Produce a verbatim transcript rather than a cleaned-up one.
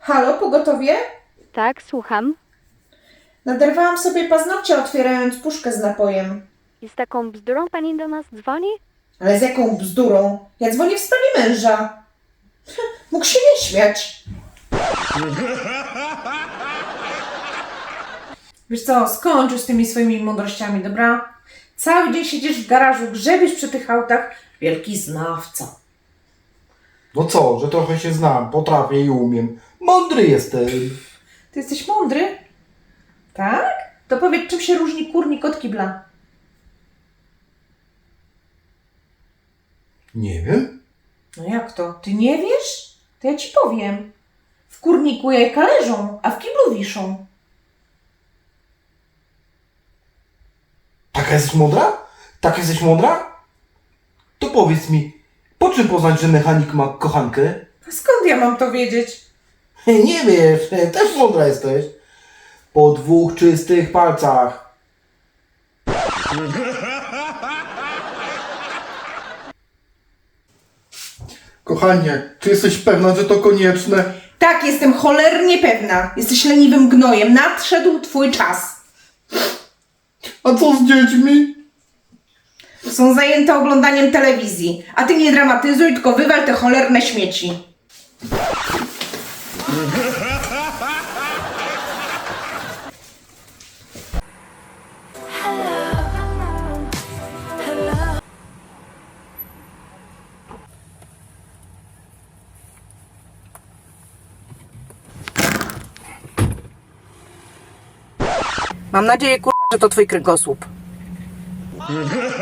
Halo, pogotowie? Tak, słucham. Naderwałam sobie paznokcie, otwierając puszkę z napojem. I z taką bzdurą pani do nas dzwoni? Ale z jaką bzdurą? Ja dzwonię w sprawie męża. Mógł się nie śmiać. Wiesz co, skończ już z tymi swoimi mądrościami, dobra? Cały dzień siedzisz w garażu, grzebiesz przy tych autach. Wielki znawca. No co, że trochę się znam, potrafię i umiem. Mądry jestem. Ty jesteś mądry? Tak? To powiedz, czym się różni kurnik od kibla? Nie wiem. No jak to? Ty nie wiesz? To ja ci powiem. W kurniku jajka leżą, a w kiblu wiszą. Taka jesteś mądra? Tak jesteś mądra? To powiedz mi, po czym poznać, że mechanik ma kochankę? A skąd ja mam to wiedzieć? Nie wiesz, też mądra jesteś. Po dwóch czystych palcach. Kochanie, czy jesteś pewna, że to konieczne? Tak, jestem cholernie pewna. Jesteś leniwym gnojem. Nadszedł twój czas. A co z dziećmi? Są zajęte oglądaniem telewizji. A ty nie dramatyzuj, tylko wywal te cholerne śmieci. Mam nadzieję, kurwa, że to twój kręgosłup.